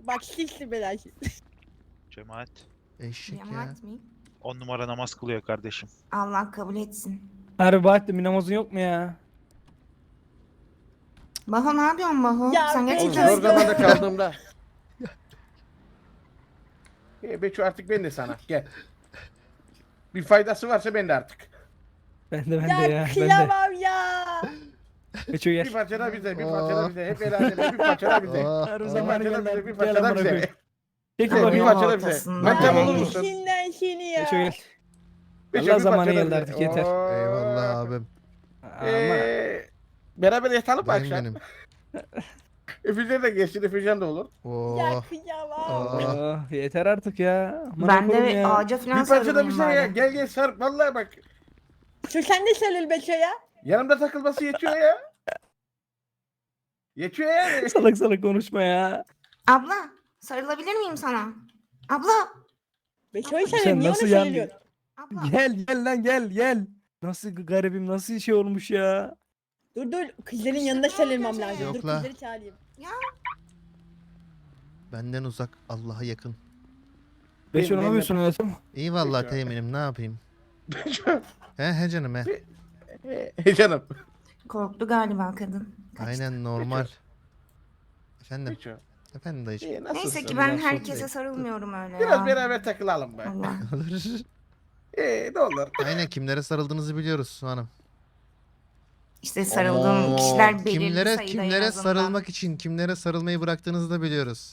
Bak silsin beni. Cemaat. Eşek ya. Cemaat mi? 10 numara namaz kılıyor kardeşim. Allah kabul etsin. Harbi Bahattin bir namazın yok mu ya? Baho ne yapıyorsun Baho? Ya Sen ben Oğlum gerçekten... zor zamanda kaldığımda. Beço artık ben de sana gel. Bir faydası varsa ben de artık. Ben de Ya ya. Ben de. kıyamam ya. Geçiyor Bir gel. parça da bize, bir parça da bize. Hep el aleme, bir parça da bize. Oh, Her Bir zaman parça da gönder. bize, bir Gel parça da amına bize. koyayım. Çekil Ay, Bir bakayım. parça da bize. ortasında. Mantam olur Ay, musun? içinden seni ya. Geçiyor gel. Beço, Allah bir zamanı parça da geldi bize. artık, yeter. Oo. eyvallah abim. Ama Beraber yatalım mı Dayım akşam? benim. Efücan da geçsin, Efücan da olur. Ya Oh. kıyamam. Oh. yeter artık ya. Amına Ben koyayım de ya. ağaca falan Bir parça da sarılayım bize ya. bari. Gel gel sar. Vallahi bak. Şu sen de sarıl Beço'ya. Yanımda takılması yetiyor ya. Yetiyor yani. Salak salak konuşma ya. Abla sarılabilir miyim sana? Abla. Beço'yu Sen sarıl. Niye onu nasıl yani? söylüyorsun? Abla. Gel lan gel. Nasıl garibim nasıl şey olmuş ya. Dur. Kızların yanında sarılmam lazım. Yok Dur la. kızları çağırayım. Benden uzak, Allah'a yakın. Beşo ne ben- yapıyorsun hayatım? İyi vallahi Peki. teğmenim, ne yapayım? He canım he. Canım. Korktu galiba kadın. Kaçtı. Aynen normal. Efendim. Beço. Efendim dayıcım. Nasılsın? Neyse ki ben Biraz herkese sohbet. sarılmıyorum öyle Biraz ya. beraber takılalım be. Allah. Olur. Ne olur. Aynen, kimlere sarıldığınızı biliyoruz hanım. İşte sarıldığım kişiler belirli Kimlere sayıda en azından. sarılmak için kimlere sarılmayı bıraktığınızı da biliyoruz.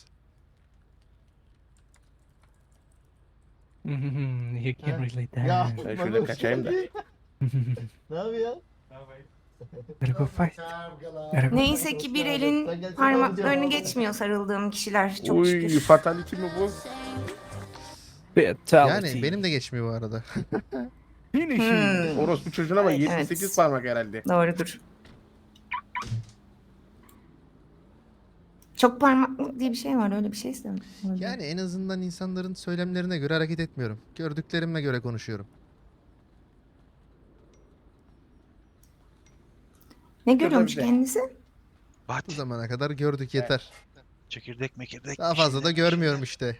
You can relate that. Ya Ben şöyle kaçayım da. Ne yapıyor? Gotta go fight. Gotta go. Neyse ki bir elin parmaklarını geçmiyor sarıldığım kişiler. Çok Uy şükür. fatality mi bu? Fatality. Yani benim de geçmiyor bu arada. Finishing. Hmm, Orospu çocuğuna bak Evet. 78 parmak herhalde. doğrudur. Çok parmaklık diye bir şey var. Öyle bir şey istedim. Yani en azından insanların söylemlerine göre hareket etmiyorum. Gördüklerime göre konuşuyorum. Ne görüyormuş Şurada bir de. kendisi? Bu Bahattin. zamana kadar gördük, yeter. Çekirdek mekirdek. Daha bir fazla da şeyler, bir görmüyorum şeyler. işte.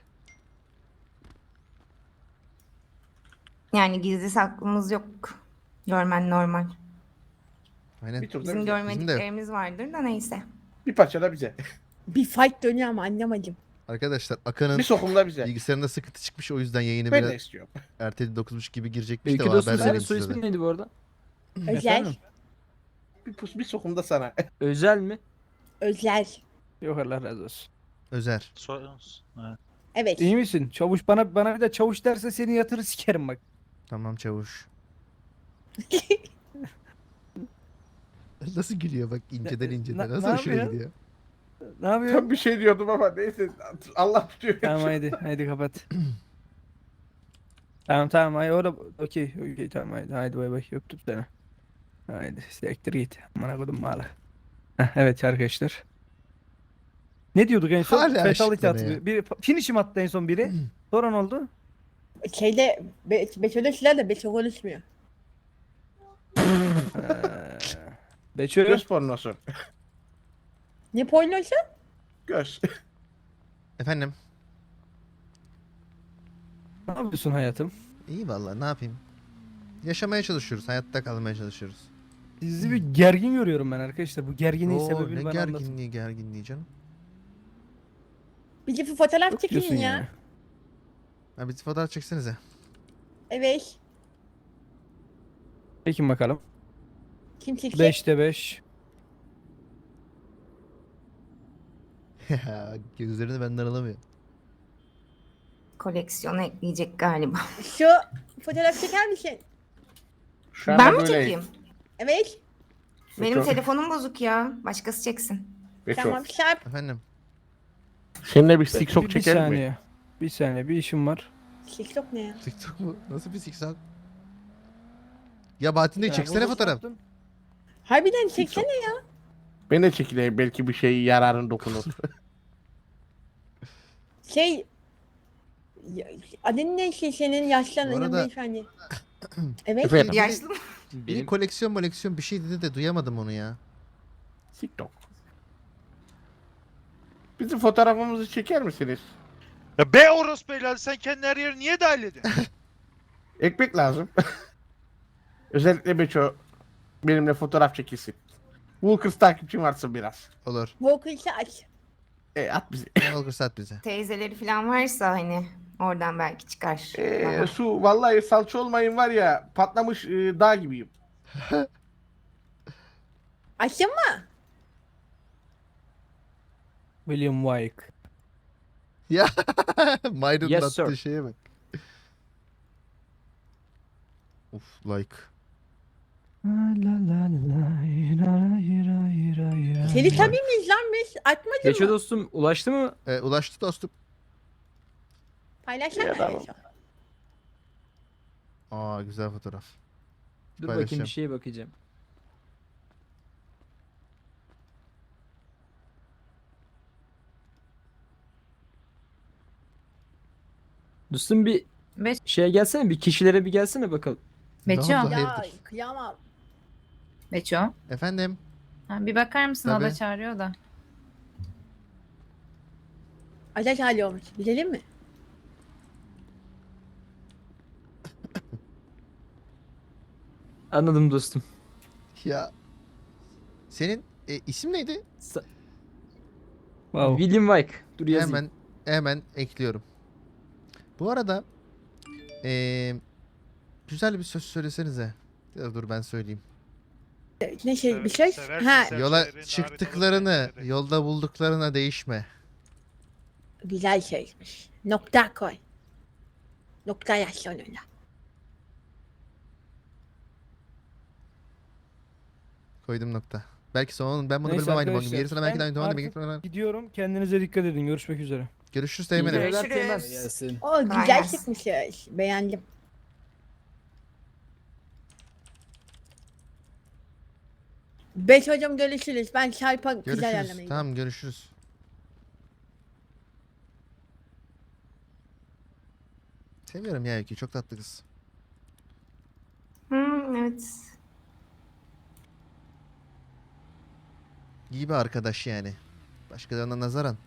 Yani gizli saklımız yok. Görmen normal. Aynen. Bir tur da Bizim bize. görmediklerimiz vardır da neyse. Bir parça da bize. Bir fight dönüyor ama anlamadım. Arkadaşlar Akan'ın Bir sokumda bize. bilgisayarında sıkıntı çıkmış, o yüzden yayını Ben de biraz istiyorum. erteledi, 9.30 gibi girecekmiş de İlki o dostum haber senin verelim soy size ismin de. neydi bu arada? Özel. Efendim? Bir sokumda sana. Özel mi? Özel. Yok Allah razı olsun. Özer. Ha. Evet. İyi misin? Çavuş bana bir de çavuş derse seni yatırır sikerim bak. Tamam çavuş. Nasıl gülüyor bak, inceden inceden. Nasıl ne hoşuna yapıyor? gidiyor. Ne yapıyorsun? Tam bir şey diyordum ama neyse. Allah tutuyor. Tamam haydi kapat. tamam haydi orada okey tamam haydi bay bay öptüm seni. Haydi siktir git. Amına kodum malı. Evet arkadaşlar. Ne diyorduk en son? Hala Fatality aşıklar attı. ya. Bir finish'im attı en son biri. Sonra ne oldu? Şeyde Beço'da silah da Beço konuşmuyor. Beçö. Göz pornosu. Ne pornosu? Göz. Efendim. Ne yapıyorsun hayatım? İyi vallahi, ne yapayım. Yaşamaya çalışıyoruz. Hayatta kalmaya çalışıyoruz. Sizi bir gergin görüyorum ben arkadaşlar. Bu gerginliğin Oo, sebebini ne bana anlatın. gerginliği canım. Bir de fotoğraf Yok çekin diyorsun ya. yani. Ha, bir fotoğraf çeksenize. Evet. Çekin bakalım. Kim çekecek? 5'te 5. Gözlerini benden alamıyor. Koleksiyona ekleyecek galiba. Şu fotoğraf çeker misin? Şu Ben anda mi böyle. çekeyim? Evet. Benim Beço- telefonum bozuk ya. Başkası çeksin. Beço. Tamam Sarp. Efendim. Seninle bir siksok Bir çeker mi? saniye. Bir saniye bir işim var. TikTok ne ya? TikTok mu? Nasıl bir TikTok? Ya Bahattin de çeksene Ya, fotoğraf. Harbiden çeksene ya. Ben de çekileyim, belki bir şey yararın dokunur. Şey... Adın ne şey senin Bu yaşlanan arada- beyefendi? Evet. Efendim? Yaşlı mı? Bir koleksiyon bir şey dedi de duyamadım onu ya. TikTok. Bizim fotoğrafımızı çeker misiniz? Ya be orospu evladı, sen kendi her yeri niye dahil ediyorsun? Ekmek lazım. Özellikle Beço benimle fotoğraf çekilsin. Walkers takipçim varsın biraz. Olur. Walker'sı aç. At bizi. Olur sat bize. Teyzeleri falan varsa hani oradan belki çıkar. Baba. Su vallahi salça olmayın var ya patlamış dağ gibiyim. Açtın mı? William Wyke. Ya Myron'un Yes, attığı sir. şeye bak. Uf like. Seni tabii miyiz lan biz? Atmadın Geço mı? dostum ulaştı mı? Ulaştı dostum. Paylaşsana. Ya, tamam. Aa güzel fotoğraf. Dur Paylaşacağım. bakayım bir şeye bakacağım. Dostum bir Be şeye gelsene, bir kişilere bir gelsene bakalım. Ne Beço. oldu, Ya hayırdır? kıyamam. Beço. Efendim? Ha, bir bakar mısın? O da Tabii. çağırıyor da. Ateş hali olmuş. Bilelim mi? Anladım dostum. Ya. Senin isim neydi? Wow. William Wyke. Dur yazayım. Hemen ekliyorum. Bu arada güzel bir söz söylesenize. Ya dur ben söyleyeyim. Ne şey bir şey? Seversin Ha sen. Yola Sevgilerin çıktıklarını, haritaları, yolda bulduklarına değişme. güzel şeymiş. Nokta koy. Nokta yaz sonuna. Koydum nokta. Belki son ben bunu Neyse bilmem aynı bunun gibi. arkadaşlar, Gerisine belki de ben aynı tamam artık demek ki. gidiyorum. Kendinize dikkat edin. Görüşmek üzere. Görüşürüz İyi Teğmen'im. geceler Görüşürüz. Teğmen. Gelsin. O güzel gelsin. çıkmışız. Beğendim. Beş hocam görüşürüz. Ben çarpa güzel Görüşürüz. ayarlamayı. Tamam görüşürüz. Seviyorum ya Öykü. Çok tatlı kız. Evet. İyi bir arkadaş yani. Başkalarına nazaran.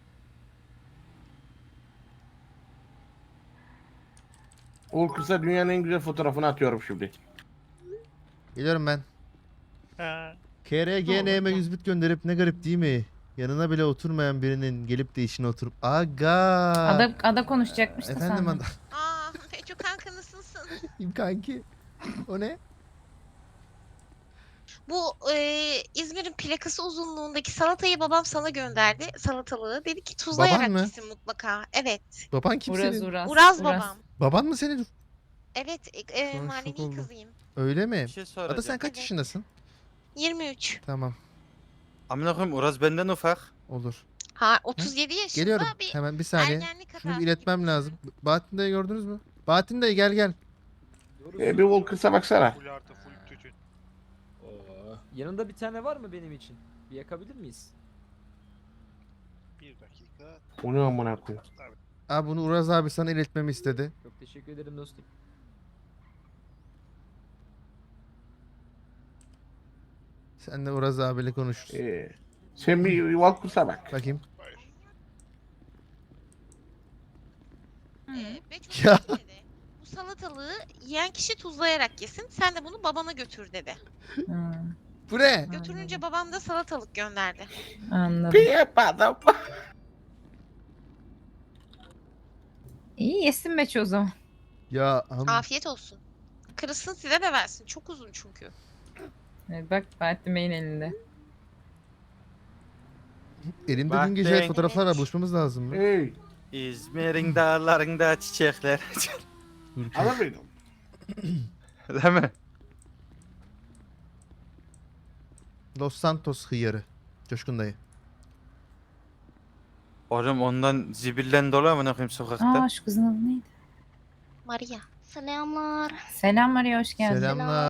Walkers'a dünyanın en güzel fotoğrafını atıyorum şimdi. Geliyorum ben. Ha. KRGN'me 100 bit gönderip ne garip değil mi? Yanına bile oturmayan birinin gelip de işine oturup Aga. Ada konuşacakmış da Efendim sen. Aa, Beço kanka nasılsın? kanki. O ne? Bu İzmir'in plakası uzunluğundaki salatayı babam sana gönderdi. Salatalığı. Dedi ki tuzlayarak Baban mı? yesin mutlaka. Evet. Baban kim Uraz senin? Uraz. Uraz babam. Baban mı senin? Evet. Şu an şok Manevi oldum. kızıyım. Öyle mi? Bir şey soracağım. Ada sen kaç Evet. yaşındasın? 23. Tamam. Amına koyayım Uraz benden ufak. Olur. Ha 37 yaşında Geliyorum. bir Hemen bir saniye. ergenlik Şunu bir hatası iletmem gibi lazım. düşün. Bahattin dayı gördünüz mü? Bahattin dayı gel. Bir Walkers'a baksana. Full artı full tütün. Oo. Yanında bir tane var mı benim için? Bir yakabilir miyiz? Bir dakika. O ne amına koyayım. Abi bunu Uraz abi sana iletmemi istedi. Çok teşekkür ederim dostum. Sen de Uraz abiyle konuşursun. Sen bir Walkers'a bak. Bakayım. Beço Ya. şey dedi. Bu salatalığı yiyen kişi tuzlayarak yesin. Sen de bunu babana götür dedi. Hmm, Bu ne? Götürünce babam da salatalık gönderdi. anladım. Bir yapmadım. İyi yesin Beço o zaman. Ya Afiyet olsun. Kırılsın size de versin. Çok uzun çünkü. Evet, bak Bahattin Bey'in elinde. elimde Bak dün gece ben- fotoğraflarla buluşmamız lazım mı? Hey. İzmir'in dağlarında çiçekler. Dur ki. Alır mıydın? Değil mi? Los Santos hıyarı. Coşkun dayı. Oğlum ondan zibillen dolu amına koyayım sokakta. Aa şu kızın adı neydi? Maria. Selamlar. Selam Maria, hoş geldin. Selamlar.